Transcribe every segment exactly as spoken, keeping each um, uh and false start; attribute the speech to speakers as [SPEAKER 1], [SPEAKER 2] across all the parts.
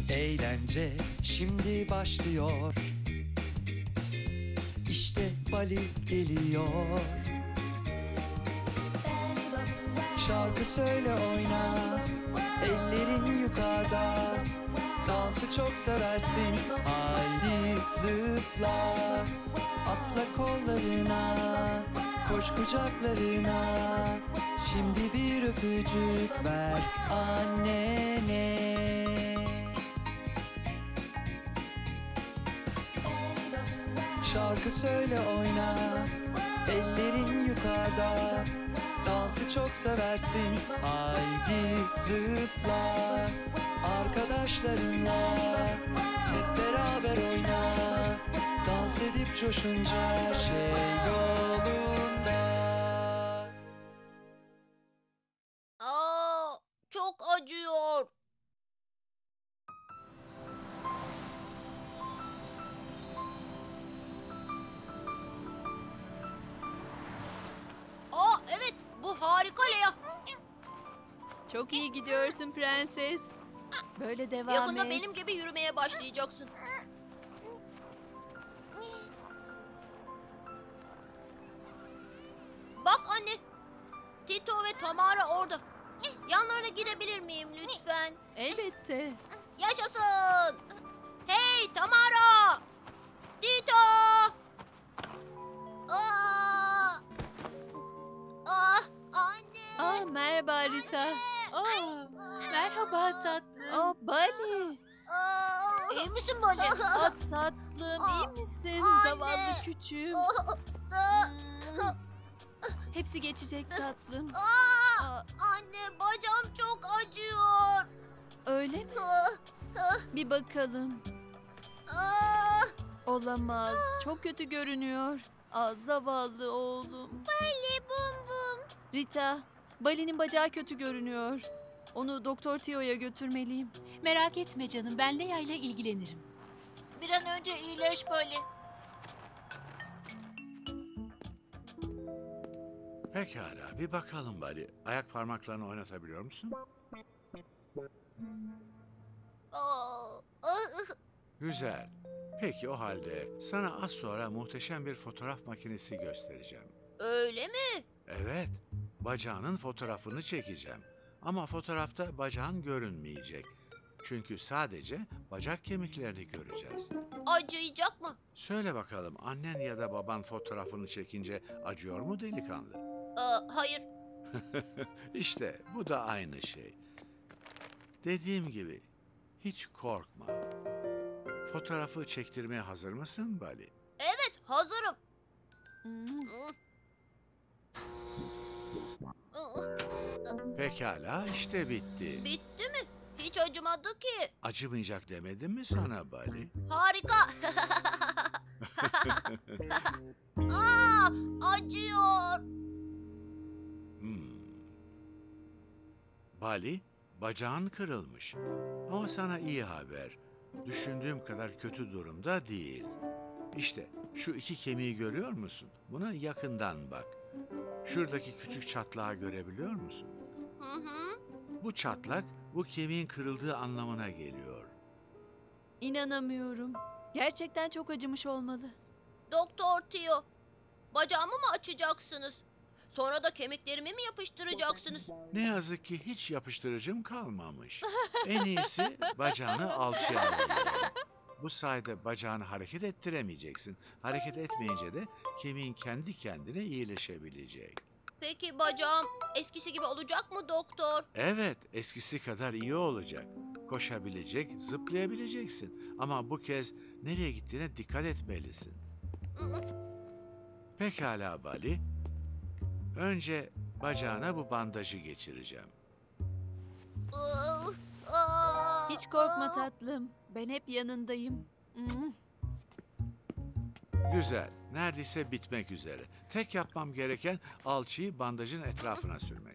[SPEAKER 1] Eğlence şimdi başlıyor. İşte Bali geliyor. Şarkı söyle oyna, ellerin yukarıda. Dansı çok seversin, haydi zıpla. Atla kollarına, koş kucaklarına. Şimdi bir öpücük ver annene. Şarkı söyle oyna, ellerin yukarıda. Dansı çok seversin, haydi zıpla. Arkadaşlarınla hep beraber oyna. Dans edip coşunca her şey yolunda.
[SPEAKER 2] Aa, çok acıyor. Aa, evet, bu harika Lea.
[SPEAKER 3] Çok iyi gidiyorsun prenses. Böyle devam
[SPEAKER 2] Yakında
[SPEAKER 3] et.
[SPEAKER 2] benim gibi yürümeye başlayacaksın. Bak anne, Tito ve Tamara orada. Yanlarına gidebilir miyim lütfen?
[SPEAKER 3] Elbette.
[SPEAKER 2] Yaşasın! Hey Tamara! Tito! Aa! Ah, anne!
[SPEAKER 3] Aa, merhaba Rita.
[SPEAKER 4] Aa, merhaba tatlım.
[SPEAKER 3] Aa, Bali.
[SPEAKER 2] Aa! İyi misin böyle?
[SPEAKER 3] Aa, tatlım, iyi misin?
[SPEAKER 2] Anne.
[SPEAKER 3] Zavallı küçüğüm.
[SPEAKER 2] Aa!
[SPEAKER 3] Hmm. Hepsi geçecek tatlım.
[SPEAKER 2] Aa!
[SPEAKER 3] Aa,
[SPEAKER 2] Anne bacağım çok acıyor.
[SPEAKER 3] öyle mi?
[SPEAKER 2] Ah,
[SPEAKER 3] Bir bakalım.
[SPEAKER 2] ah.
[SPEAKER 3] Olamaz. Çok kötü görünüyor. Aa, zavallı oğlum.
[SPEAKER 2] Bali bum bum.
[SPEAKER 3] Rita, Bali'nin bacağı kötü görünüyor. Onu Doktor Tio'ya götürmeliyim.
[SPEAKER 4] Merak etme canım, ben Leia ile ilgilenirim.
[SPEAKER 2] Bir an önce iyileş Bali.
[SPEAKER 5] Pekala, bir bakalım Bali. Ayak parmaklarını oynatabiliyor musun?
[SPEAKER 2] Aa, ah.
[SPEAKER 5] Güzel. Peki o halde sana az sonra muhteşem bir fotoğraf makinesi göstereceğim.
[SPEAKER 2] Öyle mi?
[SPEAKER 5] Evet, bacağının fotoğrafını çekeceğim. Ama fotoğrafta bacağın görünmeyecek. Çünkü sadece bacak kemiklerini göreceğiz.
[SPEAKER 2] Acıyacak mı?
[SPEAKER 5] Söyle bakalım, annen ya da baban fotoğrafını çekince acıyor mu delikanlı?
[SPEAKER 2] Aa, hayır.
[SPEAKER 5] İşte bu da aynı şey. Dediğim gibi hiç korkma. Fotoğrafı çektirmeye hazır mısın Bali?
[SPEAKER 2] Evet, hazırım.
[SPEAKER 3] Hmm.
[SPEAKER 5] Pekala, işte bitti.
[SPEAKER 2] Bitti mi? Hiç acımadı ki.
[SPEAKER 5] Acımayacak demedim mi sana Bali?
[SPEAKER 2] Harika. Aa, acıyor.
[SPEAKER 5] Hmm. Bali, bacağın kırılmış. Ama sana iyi haber. Düşündüğüm kadar kötü durumda değil. İşte şu iki kemiği görüyor musun? Buna yakından bak. Şuradaki küçük çatlağı görebiliyor musun?
[SPEAKER 2] Hı hı.
[SPEAKER 5] Bu çatlak bu kemiğin kırıldığı anlamına geliyor.
[SPEAKER 3] İnanamıyorum. Gerçekten çok acımış olmalı.
[SPEAKER 2] Doktor Tio, bacağımı mı açacaksınız? Sonra da kemiklerimi mi yapıştıracaksınız?
[SPEAKER 5] Ne yazık ki hiç yapıştırıcım kalmamış. En iyisi bacağını alçıya alalım. Bu sayede bacağını hareket ettiremeyeceksin. Hareket etmeyince de kemiğin kendi kendine iyileşebilecek.
[SPEAKER 2] Peki bacağım eskisi gibi olacak mı doktor?
[SPEAKER 5] Evet, eskisi kadar iyi olacak. Koşabilecek, zıplayabileceksin. Ama bu kez nereye gittiğine dikkat etmelisin. Pekala Bali. Önce bacağına bu bandajı geçireceğim.
[SPEAKER 2] Aa, aa,
[SPEAKER 3] Hiç korkma
[SPEAKER 2] aa.
[SPEAKER 3] tatlım. Ben hep yanındayım. Hmm.
[SPEAKER 5] Güzel, neredeyse bitmek üzere. Tek yapmam gereken alçıyı bandajın etrafına sürmek.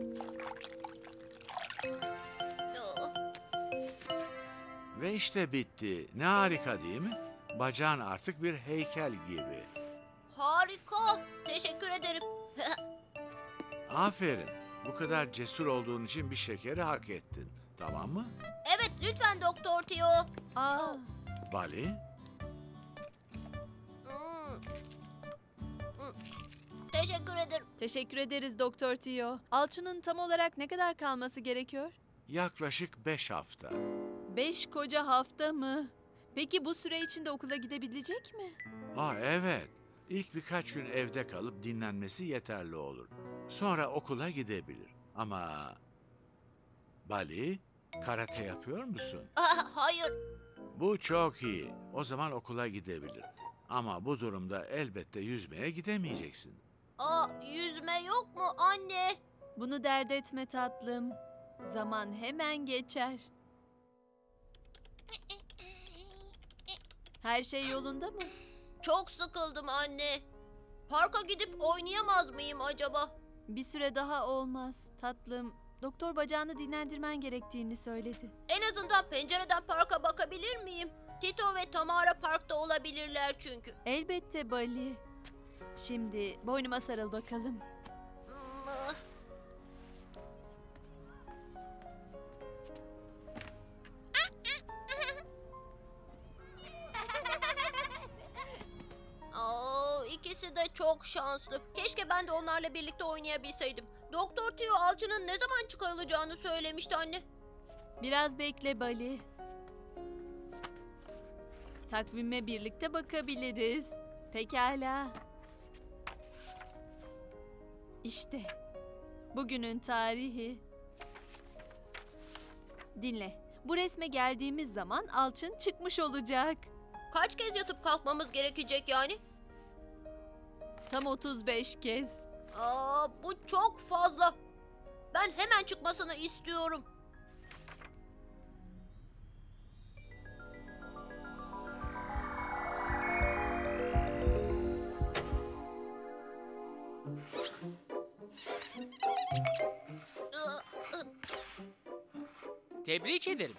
[SPEAKER 5] Ve işte bitti. Ne harika değil mi? Bacağın artık bir heykel gibi.
[SPEAKER 2] Harika. Teşekkür ederim.
[SPEAKER 5] Aferin. Bu kadar cesur olduğun için bir şekeri hak ettin. Tamam mı?
[SPEAKER 2] Evet, lütfen Doktor Tio.
[SPEAKER 3] Aa,
[SPEAKER 5] Bali,
[SPEAKER 2] Hmm. Hmm. Teşekkür ederim.
[SPEAKER 3] teşekkür ederiz Doktor Tio. Alçının tam olarak ne kadar kalması gerekiyor?
[SPEAKER 5] yaklaşık beş hafta.
[SPEAKER 3] Beş koca hafta mı? Peki bu süre içinde okula gidebilecek mi?
[SPEAKER 5] Aa evet. İlk birkaç gün evde kalıp dinlenmesi yeterli olur. Sonra okula gidebilir. Ama Bali, karate yapıyor musun?
[SPEAKER 2] Ah, hayır.
[SPEAKER 5] Bu çok iyi. O zaman okula gidebilir. Ama bu durumda elbette yüzmeye gidemeyeceksin.
[SPEAKER 2] Aa, yüzme yok mu anne?
[SPEAKER 3] Bunu dert etme tatlım. Zaman hemen geçer. Her şey yolunda mı?
[SPEAKER 2] Çok sıkıldım anne. Parka gidip oynayamaz mıyım acaba?
[SPEAKER 3] Bir süre daha olmaz. Tatlım, doktor bacağını dinlendirmen gerektiğini söyledi.
[SPEAKER 2] En azından pencereden parka bakabilir miyim? Tito ve Tamara parkta olabilirler çünkü.
[SPEAKER 3] Elbette Bali. Şimdi boynuma sarıl bakalım.
[SPEAKER 2] Hmm. Aa, ikisi de çok şanslı. Keşke ben de onlarla birlikte oynayabilseydim. Doktor Tio alçının ne zaman çıkarılacağını söylemişti anne.
[SPEAKER 3] Biraz bekle Bali. Takvime birlikte bakabiliriz. Pekala. İşte bugünün tarihi. Dinle. Bu resme geldiğimiz zaman alçın çıkmış olacak.
[SPEAKER 2] Kaç kez yatıp kalkmamız gerekecek yani?
[SPEAKER 3] Tam otuz beş kez.
[SPEAKER 2] Aa, bu çok fazla. Ben hemen çıkmasını istiyorum.
[SPEAKER 6] Tebrik ederim.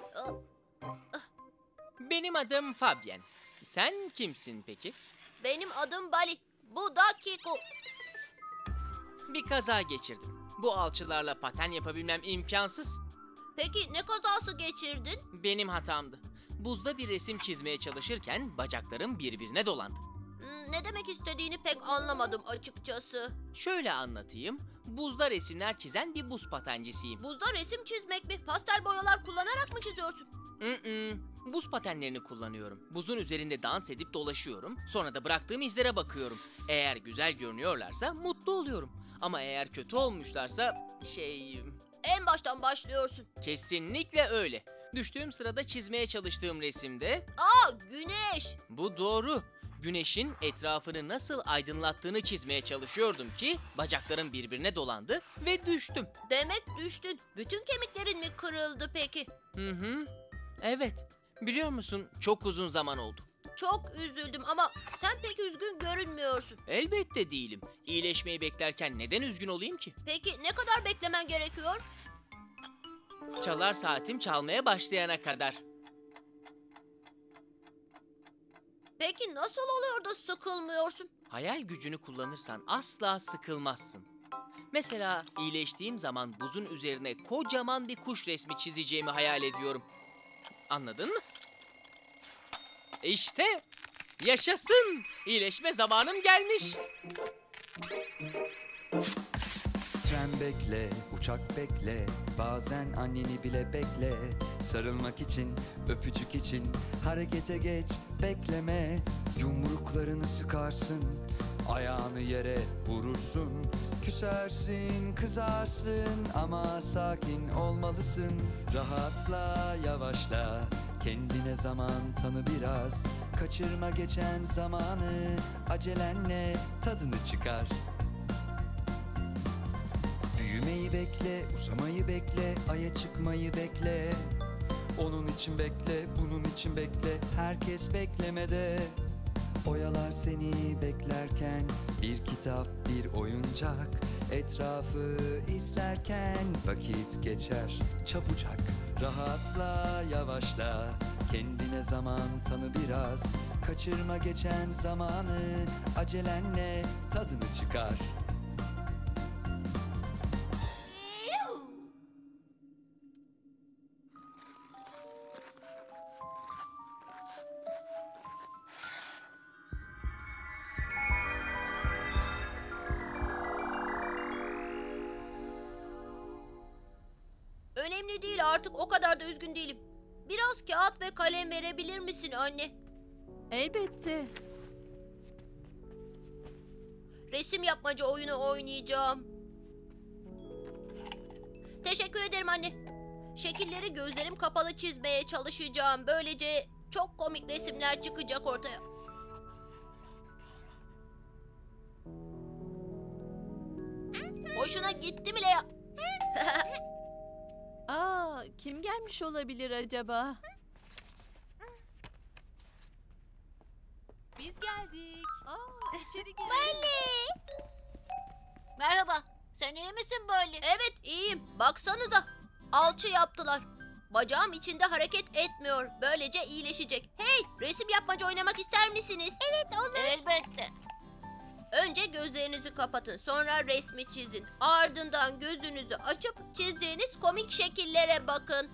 [SPEAKER 6] Benim adım Fabien. Sen kimsin peki?
[SPEAKER 2] Benim adım Bali. Bu da Kiko.
[SPEAKER 6] Bir kaza geçirdim. Bu alçılarla paten yapabilmem imkansız.
[SPEAKER 2] Peki ne kazası geçirdin?
[SPEAKER 6] Benim hatamdı. Buzda bir resim çizmeye çalışırken bacaklarım birbirine dolandı.
[SPEAKER 2] Hmm, Ne demek istediğini pek anlamadım açıkçası.
[SPEAKER 6] Şöyle anlatayım. Buzda resimler çizen bir buz patencisiyim.
[SPEAKER 2] Buzda resim çizmek mi? Pastel boyalar kullanarak mı çiziyorsun?
[SPEAKER 6] Mm-mm. Buz patenlerini kullanıyorum. Buzun üzerinde dans edip dolaşıyorum. Sonra da bıraktığım izlere bakıyorum. Eğer güzel görünüyorlarsa mutlu oluyorum. Ama eğer kötü olmuşlarsa şey...
[SPEAKER 2] En baştan başlıyorsun.
[SPEAKER 6] Kesinlikle öyle. Düştüğüm sırada çizmeye çalıştığım resimde
[SPEAKER 2] Aa, güneş.
[SPEAKER 6] bu doğru. Güneşin etrafını nasıl aydınlattığını çizmeye çalışıyordum ki bacaklarım birbirine dolandı ve düştüm.
[SPEAKER 2] Demek düştün. Bütün kemiklerin mi kırıldı peki?
[SPEAKER 6] Hı hı. Evet. Biliyor musun çok uzun zaman oldu.
[SPEAKER 2] Çok üzüldüm ama sen pek üzgün görünmüyorsun.
[SPEAKER 6] Elbette değilim. İyileşmeyi beklerken neden üzgün olayım ki?
[SPEAKER 2] Peki ne kadar beklemen gerekiyor?
[SPEAKER 6] Çalar saatim çalmaya başlayana kadar.
[SPEAKER 2] Peki nasıl oluyor da sıkılmıyorsun?
[SPEAKER 6] Hayal gücünü kullanırsan asla sıkılmazsın. Mesela iyileştiğim zaman buzun üzerine kocaman bir kuş resmi çizeceğimi hayal ediyorum. Anladın mı? İşte yaşasın. İyileşme zamanım gelmiş.
[SPEAKER 1] Tren bekle, uçak bekle, bazen anneni bile bekle. Sarılmak için, öpücük için, harekete geç, bekleme. Yumruklarını sıkarsın, ayağını yere vurursun. Küsersin, kızarsın ama sakin olmalısın. Rahatla, yavaşla, kendine zaman tanı biraz. Kaçırma geçen zamanı, acelenle tadını çıkar. Büyümeyi bekle, uzamayı bekle, aya çıkmayı bekle. Onun için bekle, bunun için bekle, herkes beklemede. Oyalar seni beklerken, bir kitap, bir oyuncak. Etrafı izlerken vakit geçer çabucak. Rahatla, yavaşla, kendine zaman tanı biraz. Kaçırma geçen zamanı, acelenle tadını çıkar.
[SPEAKER 2] Önemli değil, artık o kadar da üzgün değilim. Biraz kağıt ve kalem verebilir misin anne?
[SPEAKER 3] Elbette.
[SPEAKER 2] Resim yapmaca oyunu oynayacağım. Teşekkür ederim anne. Şekilleri gözlerim kapalı çizmeye çalışacağım. Böylece çok komik resimler çıkacak ortaya. Hoşuna gitti bile ya.
[SPEAKER 3] Aa, kim gelmiş olabilir acaba?
[SPEAKER 4] Biz geldik.
[SPEAKER 3] Aa, içeri girin.
[SPEAKER 2] Merhaba. Sen iyi misin böyle? Evet, iyiyim. Baksanıza. Alçı yaptılar. Bacağım içinde hareket etmiyor. Böylece iyileşecek. Hey, resim yapmaca oynamak ister misiniz? Evet, olur. Elbette. Önce gözlerinizi kapatın. Sonra resmi çizin. Ardından gözünüzü açıp çizdiğiniz komik şekillere bakın.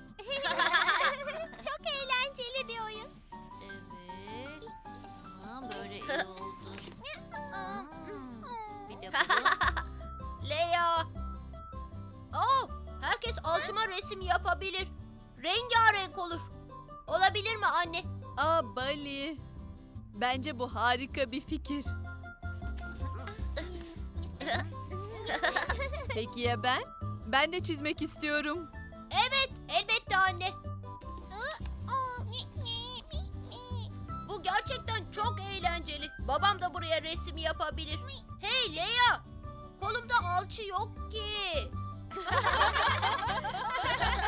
[SPEAKER 2] Çok eğlenceli bir oyun. Evet. Tamam, böyle iyi oldu. Bir de Leya. Oh, herkes alçıma resim yapabilir. Rengarenk olur. Olabilir mi anne?
[SPEAKER 3] Aa, Bali. Bence bu harika bir fikir. Peki ya ben? Ben de çizmek istiyorum.
[SPEAKER 2] Evet, elbette anne. Bu gerçekten çok eğlenceli. Babam da buraya resim yapabilir. Hey Leya, kolumda alçı yok ki.